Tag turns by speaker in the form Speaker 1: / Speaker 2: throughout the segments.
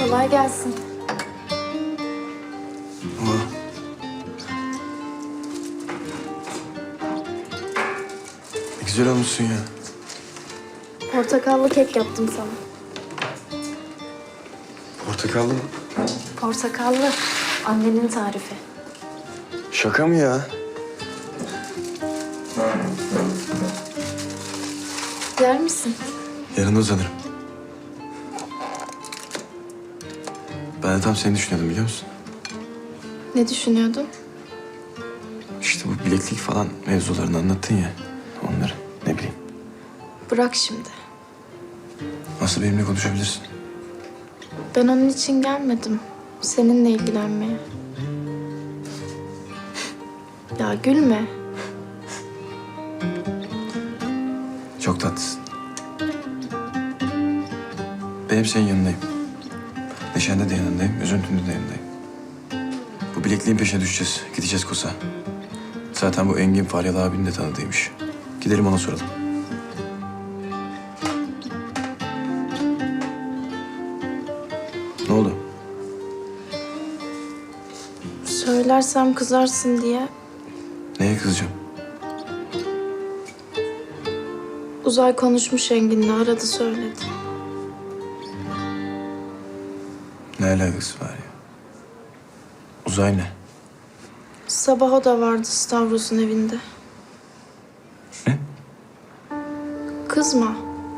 Speaker 1: Kolay gelsin.
Speaker 2: Ama... Ne güzel olmuşsun ya.
Speaker 1: Portakallı kek yaptım sana.
Speaker 2: Portakallı mı?
Speaker 1: Portakallı. Annenin tarifi.
Speaker 2: Şaka mı ya?
Speaker 1: Yer misin?
Speaker 2: Yarın uzanırım. Ben de tam seni düşünüyordum biliyor musun?
Speaker 1: Ne düşünüyordun?
Speaker 2: İşte bu bileklik falan mevzularını anlattın ya. Onları ne bileyim.
Speaker 1: Bırak şimdi.
Speaker 2: Nasıl benimle konuşabilirsin?
Speaker 1: Ben onun için gelmedim. Seninle ilgilenmeye. Ya gülme.
Speaker 2: Çok tatlısın. Ben hep senin yanındayım. Neşende de yanındayım, üzüntünde de yanındayım. Bu bilekliğin peşine düşeceğiz. Gideceğiz Kosa. Zaten bu Engin Faryalı abinin de tanıdığıymış. Gidelim ona soralım. Ne oldu?
Speaker 1: Söylersem kızarsın diye
Speaker 2: Neye kızacağım?
Speaker 1: Uzay konuşmuş Engin'le, aradı söyledi.
Speaker 2: Ne alakası var ya? Uzay ne?
Speaker 1: Sabah o da vardı Stavros'un evinde.
Speaker 2: Ne?
Speaker 1: Kızma.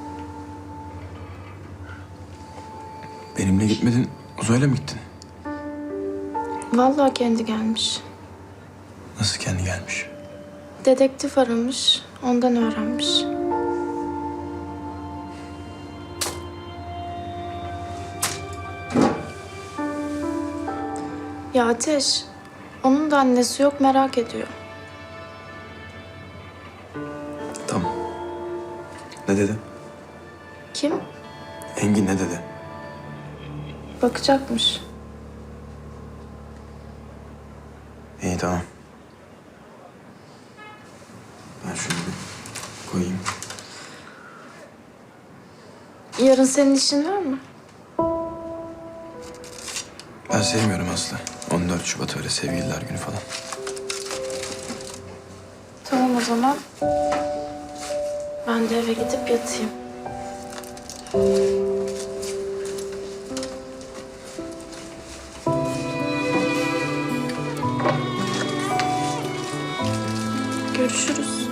Speaker 2: Benimle gitmedin, Uzay'la mı gittin?
Speaker 1: Vallahi kendi gelmiş.
Speaker 2: Nasıl kendi gelmiş?
Speaker 1: Dedektif aramış, ondan öğrenmiş. Ya Ateş, onun da annesi yok, merak ediyor.
Speaker 2: Tamam. Ne dedi?
Speaker 1: Kim?
Speaker 2: Engin ne dedi?
Speaker 1: Bakacakmış.
Speaker 2: İyi tamam. Ben şunu bir koyayım.
Speaker 1: Yarın senin işin var mı?
Speaker 2: Ben sevmiyorum Aslı. 14 Şubat öyle sevgililer günü falan.
Speaker 1: Tamam o zaman. Ben de eve gidip yatayım. Görüşürüz.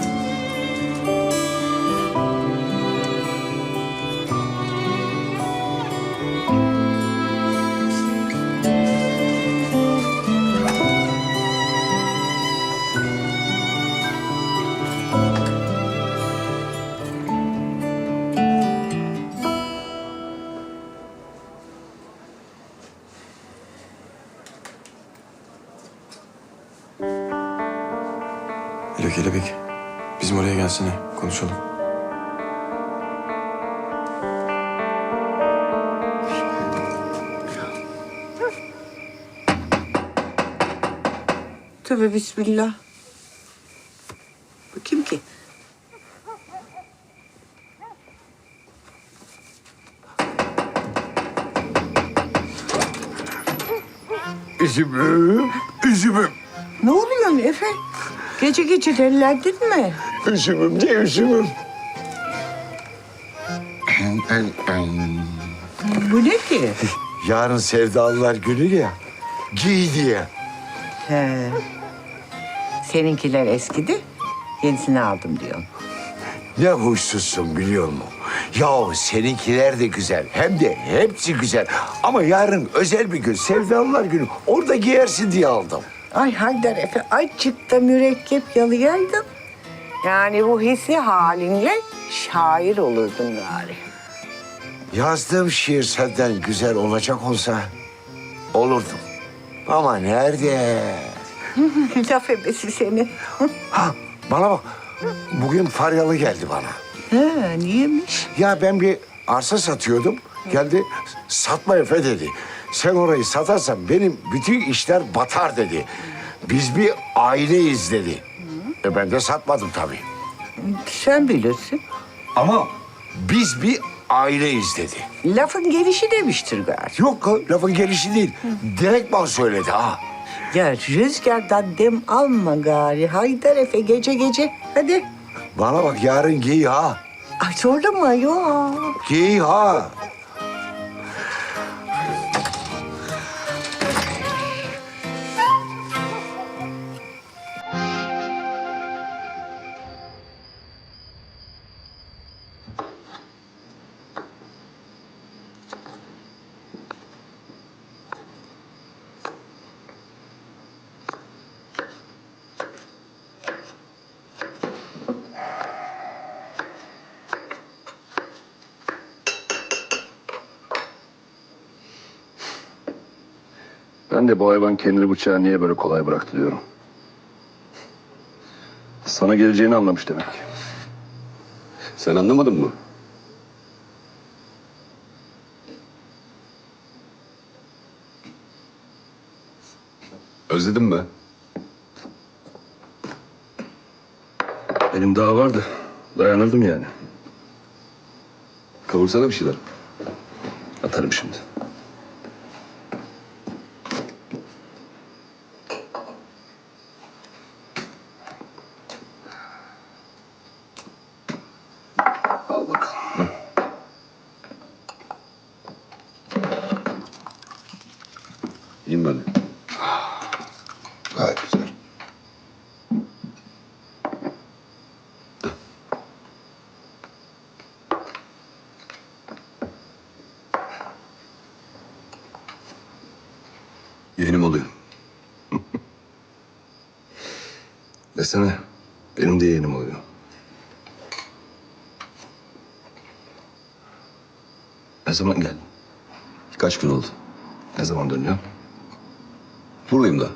Speaker 2: Alo Kelebek. Bizim oraya gelsene. Konuşalım.
Speaker 3: Tövbe bismillah. Bu kim ki?
Speaker 4: Üzümüm, üzümüm,
Speaker 3: Ne oluyor Efe? Gece gece dellendin mi?
Speaker 4: üzümüm de üzümüm.
Speaker 3: Bu ne ki?
Speaker 4: Yarın sevdalılar günü ya, giy diye.
Speaker 3: He. Seninkiler eskidi, yenisini aldım diyorsun.
Speaker 4: Ne huysuzsun biliyor musun? Yahu seninkiler de güzel, hem de hepsi güzel. Ama yarın özel bir gün, sevdalılar günü. Orada giyersin diye aldım.
Speaker 3: Ay Haydar Efe, azıcık da mürekkep yalayaydın. Yani bu hissi halinle şair olurdun gari.
Speaker 4: Yazdığım şiir senden güzel olacak olsa olurdum. Ama nerede?
Speaker 3: Laf ebesi seni.
Speaker 4: Ha, bana bak. Bugün Faryalı geldi bana.
Speaker 3: He, niyemiş?
Speaker 4: Ya ben bir arsa satıyordum. Geldi satma Efe dedi. Sen orayı satarsan benim bütün işler batar dedi. Biz bir aileyiz dedi. Ben de satmadım tabii.
Speaker 3: Sen bilirsin.
Speaker 4: Ama biz bir aileyiz dedi.
Speaker 3: Lafın gelişi demiştir galiba.
Speaker 4: Yok lafın gelişi değil. Direktman söyledi ha.
Speaker 3: Ya rüzgardan dem alma gari. Haydar Efe gece gece. Hadi.
Speaker 4: Bana bak yarın giy ha.
Speaker 3: Ay zorlama yok.
Speaker 4: Giy ha.
Speaker 5: Ben de bu hayvan kendini bıçağı niye böyle kolay bıraktı diyorum. Sana geleceğini anlamış demek.
Speaker 6: Sen anlamadın mı? Özledin mi?
Speaker 5: Benim daha vardı. Dayanırdım yani.
Speaker 6: Kavursana bir şeyler.
Speaker 5: Atarım şimdi. Al bakalım.
Speaker 6: İyiyim ben.
Speaker 5: Gayet güzel.
Speaker 6: Yeğenim oluyor.
Speaker 5: Desene. Benim de yeğenim oluyor. Ne zaman geldin?
Speaker 6: Kaç gün oldu?
Speaker 5: Ne zaman dönüyorsun?
Speaker 6: Buradayım da.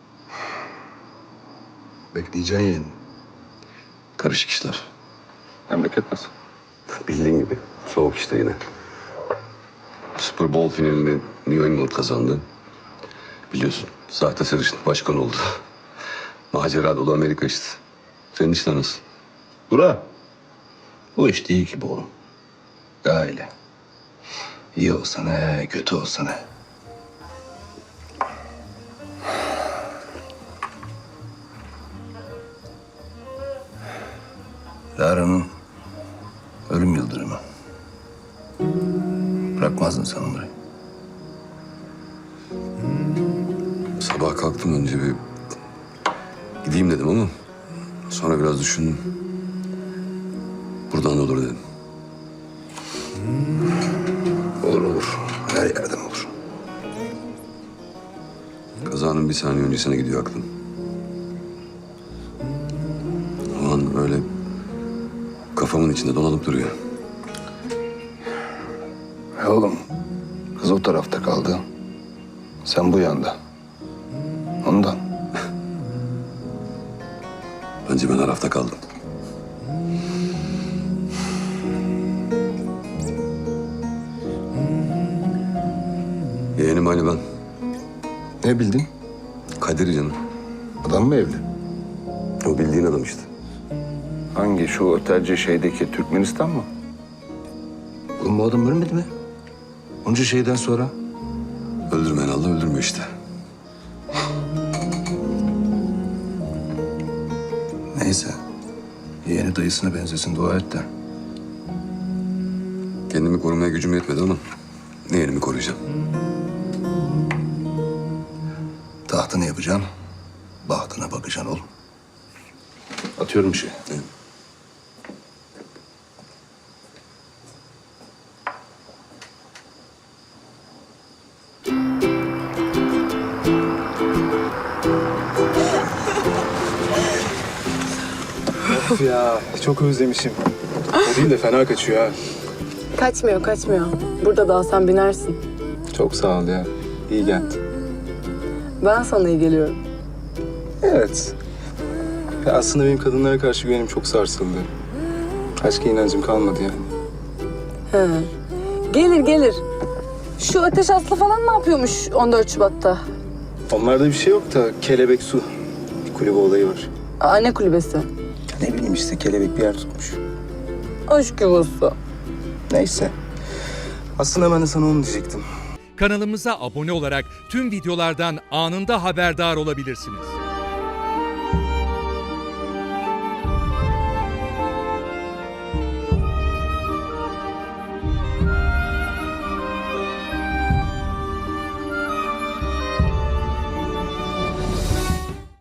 Speaker 5: Bekleyeceksin yeğenim.
Speaker 6: Karışık işler.
Speaker 5: Memleket nasıl?
Speaker 6: Bildiğin gibi. Soğuk işte yine. Super Bowl finalini New England kazandı. Biliyorsun. Sahte sarışın başkan oldu. Macera dolu Amerika işte. Senin işler nasıl?
Speaker 5: Bura. Bu iş değil ki bu oğlum. Aile. İyi olsa ne, kötü olsa ne. Lara'nın ölüm yıldırımı. Bırakmazdın sen onları.
Speaker 6: Sabah kalktım önce bir gideyim dedim ama sonra biraz düşündüm. Buradan da olur dedim.
Speaker 5: Olur olur. Her yerden olur.
Speaker 6: Kazanın bir saniye öncesine gidiyor aklım. O an öyle kafamın içinde dolanıp duruyor.
Speaker 5: Oğlum, kız o tarafta kaldı. Sen bu yanda. Ondan.
Speaker 6: Bence ben arafta kaldım. Yeğenim Ali ben.
Speaker 5: Ne bildin?
Speaker 6: Kadir canım.
Speaker 5: Adam mı evli?
Speaker 6: O bildiğin adam işte.
Speaker 5: Hangi? Şu otelci şeydeki Türkmenistan mı? Oğlum bu adam ölmedi mi? Onca şeyden sonra.
Speaker 6: Öldürmeyen Allah öldürmüyor işte.
Speaker 5: Neyse. Yeğeni dayısına benzesin dua et de.
Speaker 6: Kendimi korumaya gücüm yetmedi ama yeğenimi koruyacağım.
Speaker 5: Tahtını yapacaksın. Bahtına bakacaksın oğlum. Atıyorum bir şey.
Speaker 7: Of ya çok özlemişim. O değil de fena kaçıyor ha.
Speaker 8: Kaçmıyor, kaçmıyor. Burada da sen binersin.
Speaker 7: Çok sağ ol ya. İyi geldi.
Speaker 8: Ben sana iyi geliyorum.
Speaker 7: Evet. Ya aslında benim kadınlara karşı güvenim çok sarsıldı. Aşka inancım kalmadı yani.
Speaker 8: He. Gelir, gelir. Şu Ateş Aslı falan ne yapıyormuş 14 Şubat'ta?
Speaker 7: Onlarda bir şey yok da kelebek su. Bir kulübe olayı var.
Speaker 8: Anne kulübesi.
Speaker 7: Ne bileyim işte kelebek bir yer tutmuş.
Speaker 8: Aşk yuvası.
Speaker 7: Neyse. Aslında ben de sana onu diyecektim.
Speaker 9: Kanalımıza abone olarak tüm videolardan anında haberdar olabilirsiniz.